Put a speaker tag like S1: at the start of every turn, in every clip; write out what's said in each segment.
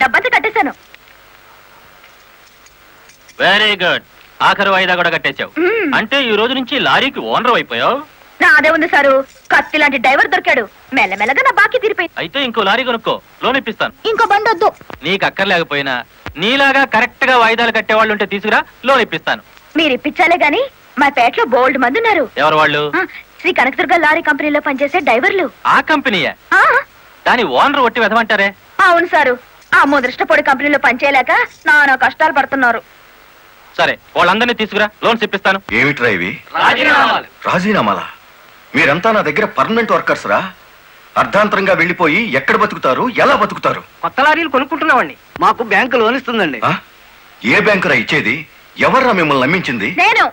S1: డబ్బంతా కట్టేశాను.
S2: Very good. ఆఖరు వాయిదా కూడా కట్టేశావు. అంటే ఈ రోజు నుంచి లారీకి ఓనర్ అయిపోయావు.
S1: నాదే ఉంది సారు, కత్తి లాంటి డ్రైవర్ దొరికాడు. మెల్లమెల్లగా నా బాకీ తీరిపోయింది.
S2: అయితే ఇంకో లారీ కొనుక్కో, లోన్ ఇప్పిస్తాను.
S1: ఇంకో బండి వద్దు.
S2: నీకు అక్కర్లేకపోయినా నీలాగా కరెక్ట్ గా వాయిదాలు కట్టేవాళ్ళు ఉంటే తీసుకురా, లోన్ ఇప్పిస్తాను.
S1: మీరు ఇప్పించాలే గాని మా పేటలో బోల్డ్ మంది ఉన్నారు.
S2: ఎవరు వాళ్ళు?
S1: శ్రీ కనకదుర్గ లారీ కంపెనీలో పనిచేసే డ్రైవర్లు.
S2: ఆ కంపెనీయా? దాని ఓనర్ ఒట్టి వెదమంటారే?
S1: అవును సారు, ఆ ముదృష్టపొడి కంపెనీలో పనిచేయలేక నానా కష్టాలు పడుతున్నారు.
S2: సరే, వాళ్ళందరినీ తీసుకురా, లోన్స్ ఇప్పిస్తాను.
S3: ఏమిట్రా ఇవి? రాజీనామాలా? మీరంతా నా దగ్గర పర్మనెంట్ వర్కర్స్ రా. అర్ధాంతరంగా వెళ్ళిపోయి ఎక్కడ బతుకుతారు, ఎలా బతుకుతారు?
S4: కొత్త లారీలు కొనుక్కుంటున్నామండి. మాకు బ్యాంకు లోన్ ఇస్తుందండి.
S3: ఏ బ్యాంకురా ఇచ్చేది? ఎవర్రా మిమ్మల్ని నమ్మించింది?
S1: నేను.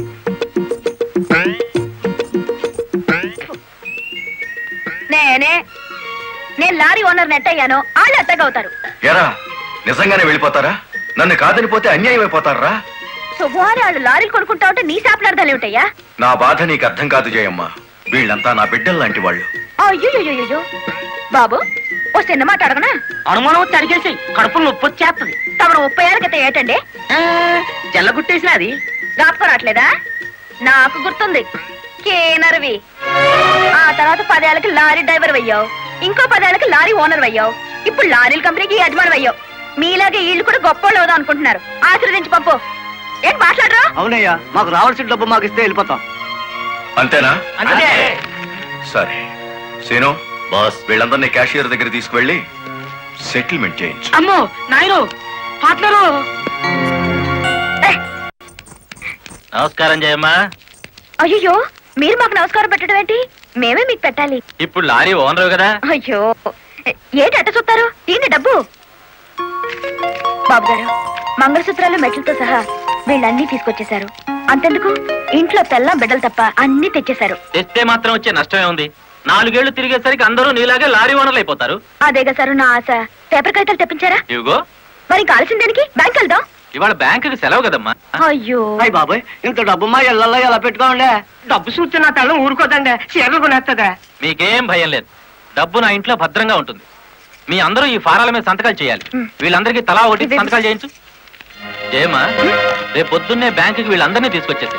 S1: నేను లారీ ఓనర్ నెట్ అయ్యాను, వాళ్ళు ఎట్టగవుతారు.
S3: ఎరా నిజంగానే వెళ్ళిపోతారా? నన్ను కాదనిపోతే అన్యాయం అయిపోతారా?
S1: శుభవారి వాళ్ళు లారీలు కొనుక్కుంటా ఉంటే నీ శాపలార్థాలు ఏమిటయ్యా?
S3: నా బాధ నీకు అర్థం కాదు జయమ్మ. వీళ్ళంతా నా బిడ్డలు లాంటి వాళ్ళు.
S1: అయ్యో బాబు, ఓ చిన్న మాట అడగనా?
S4: అనుమానం వచ్చి అడిగేసి కడుపులు నొప్పి వచ్చేస్తుంది.
S1: తమను 30 ఏళ్ళ క్రితం ఏటండి
S4: జల్లగుట్టేసిన అది
S1: జ్ఞాపకం రావట్లేదా? నాకు గుర్తుంది, కేనర్వి. ఆ తర్వాత 10 ఏళ్ళకి లారీ డ్రైవర్ అయ్యావు, ఇంకో 10 ఏళ్ళకి లారీ ఓనర్ అయ్యావు, ఇప్పుడు లారీల కంపెనీకి యజమాని అయ్యావు. మీలాగే వీళ్ళు కూడా గొప్ప అవుదాం అనుకుంటున్నారు. ఆశీర్వదించి పంపు. ఏం మాట్లాడరా?
S4: అవునయ్యా, మాకు రావాల్సిన డబ్బు మాకు ఇస్తే వెళ్ళిపోతాం.
S3: అంతేనా?
S4: అంతే.
S3: సరే సీను బాస్, వీళ్ళందరినీ క్యాషియర్ దగ్గర తీసుకువెళ్ళి సెటిల్మెంట్ చేయించు.
S4: అమ్మో నాయను, పార్ట్నరు.
S2: నమస్కారం జయమ్మ.
S1: అయ్యో, మీరు మాకు నమస్కారం పెట్టడం ఏంటి? మేమే మీకు పెట్టాలి.
S2: ఇప్పుడు లారీ ఓనర్ కదా.
S1: అయ్యో, ఏంటి అట్ట చూస్తారు? దీన్ని డబ్బు. బాబు గారు, మంగళసూత్రాలు మెట్లతో సహా వీళ్ళన్నీ తీసుకొచ్చేశారు. అంతెందుకు, ఇంట్లో తెల్లం బిడ్డలు తప్ప అన్ని తెచ్చేశారు.
S2: తెస్తే మాత్రం వచ్చే నష్టమే ఉంది. 4 ఏళ్లు తిరిగేసరికి అందరూ నీలాగే లారీ ఓనర్లు అయిపోతారు.
S1: అదేగా సారు నా ఆశ. పేపర్ కాగితాలు తెప్పించారా?
S2: ఇవిగో.
S1: మరి కాల్సిన దానికి బ్యాంక్ వెళ్దాం.
S2: ఇవాళ బ్యాంకుకి సెలవు కదమ్మా.
S1: అయ్యో
S4: అయ్యి బాబాయ్, ఇంత డబ్బు మా ఇళ్ళల్లో ఎలా పెట్టుకోండి? డబ్బు చూస్తే నా తల్లం ఊరుకోదండి, చీరలు కొనేస్తుందా?
S2: మీకేం భయం లేదు, డబ్బు నా ఇంట్లో భద్రంగా ఉంటుంది. మీ అందరూ ఈ ఫారాల మీద సంతకాలు చేయాలి. వీళ్ళందరికీ తలా ఒకటి సంతకాలు చేయించు. జయమ్మా, రేపు పొద్దున్నే బ్యాంకుకి వీళ్ళందరినీ తీసుకొచ్చేసి.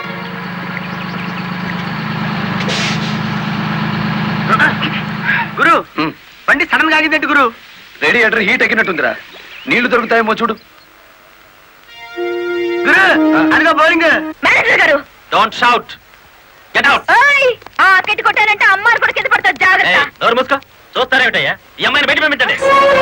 S4: గురు, బండి సడన్ గా ఆగిందండి గురు.
S3: Radiator heat ఎక్కినట్టుందిరా. నీళ్లు దొరుకుతాయేమో చూడు.
S4: గురు, అదిగో బౌలింగ్.
S1: మేనేజర్ గారు,
S2: డోంట్ షౌట్, గెట్ అవుట్.
S1: ఆ కెట్టి కొట్టారంటే అమ్మారు కూడా కింద పడతారు, జాగ్రత్త.
S2: నోరు మూసుకో. చూస్తారేమిటయ్యా, ఈ అమ్మాయిని బయట పంపించండి.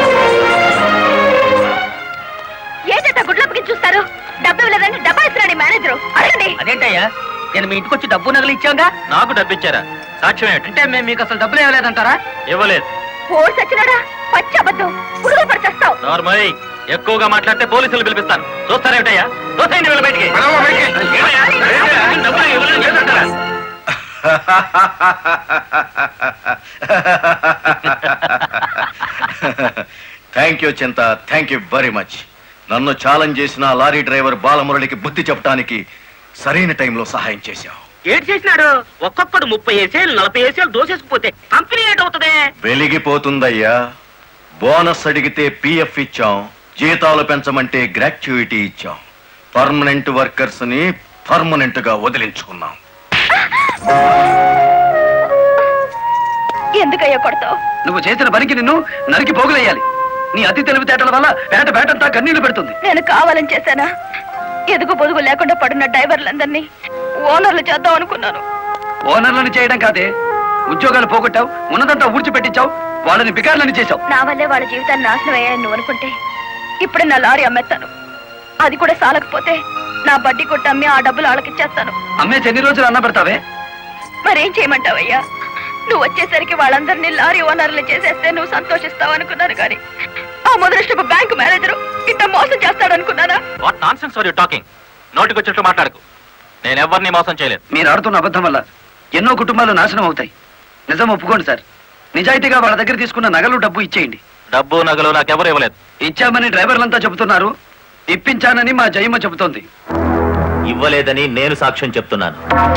S1: ఏంటంటే గుడ్లప్పకి చూస్తారు? డబ్బు ఇవ్వలేదంటే డబ్బా ఇస్తున్నాడు మేనేజరు. అడగండి.
S4: అదేంటయ్యా, నేను మీ ఇంటికి వచ్చి డబ్బు నగలు ఇచ్చాగా?
S2: నాకు డబ్బు ఇచ్చారా? సాక్ష్యం ఏమిటి?
S4: అంటే మేము మీకు అసలు డబ్బులు ఇవ్వలేదంటారా?
S2: ఇవ్వలేదు.
S1: పోర్స్ వచ్చినాడా? పచ్చి అబద్ధం. పురుగులు పడిచేస్తావు.
S2: నార్మల్, ఎక్కువగా మాట్లాడితే పోలీసులు పిలిపిస్తాను. చూస్తారేమిటయ్యా? చూస్తాయండి వీళ్ళ బయటికి. డబ్బులు ఇవ్వలేదు లేదంటారా?
S3: థ్యాంక్ యూ చింత, థ్యాంక్ యూ వెరీ మచ్. నన్ను ఛాలెంజ్ చేసిన లారీ డ్రైవర్ బాలమురళికి బుద్ధి చెప్పడానికి సరైన టైంలో సహాయం చేశావు.
S4: ఏడు చేసినాడు? ఒక్కొక్కడు 30 ఏసేలు 40 ఏసేలు దోసేసుకుపోతే కంపెనీ ఏటవుతుంది?
S3: వెలిగిపోతుందయ్యా. బోనస్ అడిగితే పిఎఫ్ ఇచ్చాం, జీతాలు పెంచమంటే గ్రాట్యుయిటీ ఇచ్చాం. పర్మనెంట్ వర్కర్స్ ని పర్మనెంట్ గా వదిలించుకున్నాం.
S1: ఎందుకయ్యా కొడతావు?
S4: నువ్వు చేసిన పనికి నిన్ను నరికి పోగులేయాలి. నీ అతి తెలివితేటల వల్ల పేటంతా కన్నీళ్లు పెడుతుంది.
S1: నేను కావాలని చేశానా? ఎదుగు పొదుగు లేకుండా పడిన డ్రైవర్లందరినీ ఓనర్లు చేద్దాం అనుకున్నాను.
S4: ఓనర్లను చేయడం కాదే, ఉద్యోగాలు పోగొట్టావు, ఉన్నదంతా ఊడ్చిపెట్టించావు, వాళ్ళని బికార్లని చేశావు.
S1: నా వల్లే వాళ్ళ జీవితాన్ని నాశనం అయ్యాయని నువ్వు అనుకుంటే ఇప్పుడు నా లారీ అమ్మేస్తాను. అది కూడా సాలకపోతే నా బడ్డీ కొట్టి అమ్మి ఆ డబ్బులు వాళ్ళకిచ్చేస్తాను.
S4: అమ్మేసి ఎన్ని రోజులు అన్న పెడతావే?
S1: మరేం చేయమంటావయ్యా? నువ్వు వచ్చేసరికి వాళ్ళందరినీ లారీ ఓనర్లు చేసేస్తే నువ్వు సంతోషిస్తావు అనుకున్నాను, కానీ ఆ మొదలష్టపు బ్యాంకు మేనేజరు ఇంత మోసం చేస్తాడు అనుకున్నానా?
S2: What nonsense are you talking? నోటికి వచ్చినట్టు మాట్లాడకు. నేను ఎవరిని మోసం చేయలేదు.
S4: మీరు ఆడుతున్న అబద్ధం వల్ల ఎన్నో కుటుంబాలు నాశనం అవుతాయి. నిజం ఒప్పుకోండి సార్. నిజాయితీగా వాళ్ళ దగ్గర తీసుకున్న నగలు డబ్బు ఇచ్చేయండి.
S2: డబ్బు నగలు నాకెవరు ఇవ్వలేదు.
S4: ఇచ్చామని డ్రైవర్లంతా చెబుతున్నారు, ఇప్పించానని మా జయమ్మ చెబుతోంది.
S2: ఇవ్వలేదని నేను సాక్ష్యం చెప్తున్నాను.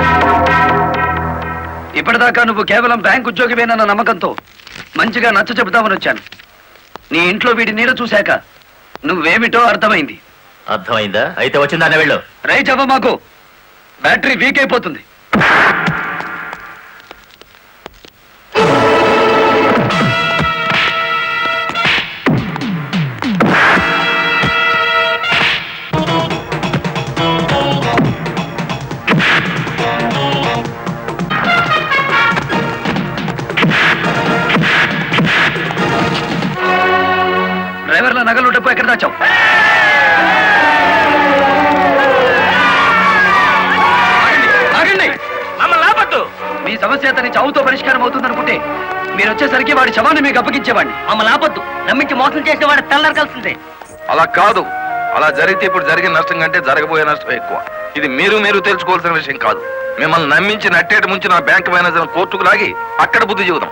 S4: ఇప్పటిదాకా నువ్వు కేవలం బ్యాంక్ ఉద్యోగివేనన్న నమ్మకంతో మంచిగా నచ్చ చెబుతామని వచ్చాను. నీ ఇంట్లో వీడి నీడ చూశాక నువ్వేమిటో అర్థమైంది.
S5: అర్థమైందా? అయితే వచ్చిందానే వెళ్ళు.
S4: రై చెప్ప మాకు బ్యాటరీ వీక్ అయిపోతుంది. డ్రైవర్ల నగలు డబ్బు ఎక్కడ దాచావు? ఆగండి!
S2: మమ్మల్ని ఆపద్దు.
S4: మీ సమస్య అతని చావుతో పరిష్కారం అవుతుందనుకుంటే మీరు వచ్చేసరికి వాడి శవాన్ని మీకు అప్పగించేవాడిని.
S2: మమ్మల్ని ఆపద్దు. నమ్మించి మోసం చేసిన వాడు తెల్లరకాల్సిందే.
S6: అలా కాదు. అలా జరిగితే ఇప్పుడు జరిగిన నష్టం కంటే జరగబోయే నష్టం ఎక్కువ. ఇది మీరు తెలుసుకోవాల్సిన విషయం కాదు. మిమ్మల్ని నమ్మించి నట్టేట ముంచి నా బ్యాంక్ మేనేజర్ కోర్టుకు లాగి అక్కడ బుద్ధి చెబుదాం.